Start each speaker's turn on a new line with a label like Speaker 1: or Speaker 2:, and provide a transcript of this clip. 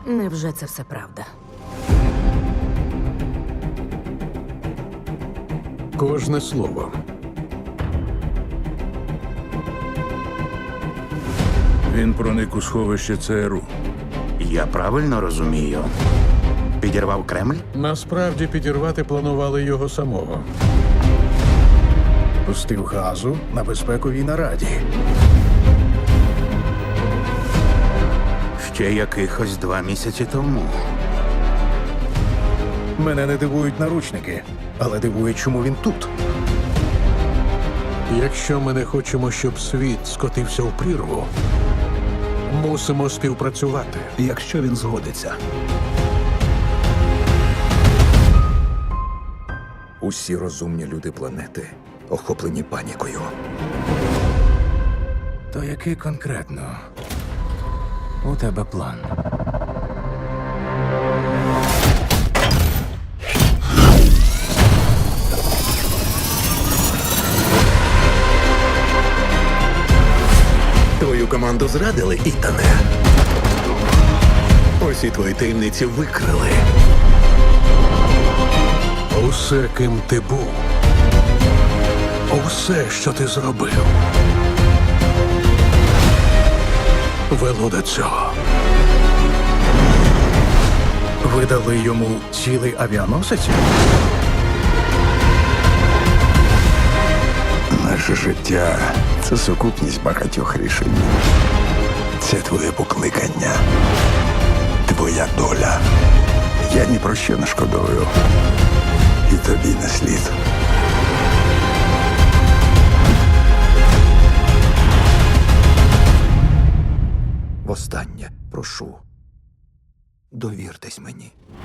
Speaker 1: Невже це все правда?
Speaker 2: Кожне слово.
Speaker 3: Він проник у сховище ЦРУ.
Speaker 4: Я правильно розумію? Підірвав Кремль?
Speaker 2: Насправді підірвати планували його самого.
Speaker 5: Пустив газу на безпековій нараді.
Speaker 4: Ще якихось 2 місяці тому.
Speaker 5: Мене не дивують наручники, але дивує, чому він тут.
Speaker 2: Якщо ми не хочемо, щоб світ скотився в прірву, мусимо співпрацювати.
Speaker 6: Якщо він згодиться. Усі розумні люди планети охоплені панікою.
Speaker 5: То який конкретно у тебе план?
Speaker 6: Твою команду зрадили, Ітане. Усі твої таємниці викрили.
Speaker 2: Усе, ким ти був, усе, що ти зробив, вело до цього.
Speaker 5: Ви дали йому цілий авіаносець?
Speaker 6: Наше життя – це сукупність багатьох рішень. Це твоє покликання, твоя доля. Я ні про що не шкодую. І тобі не слід. Востаннє прошу, довіртесь мені.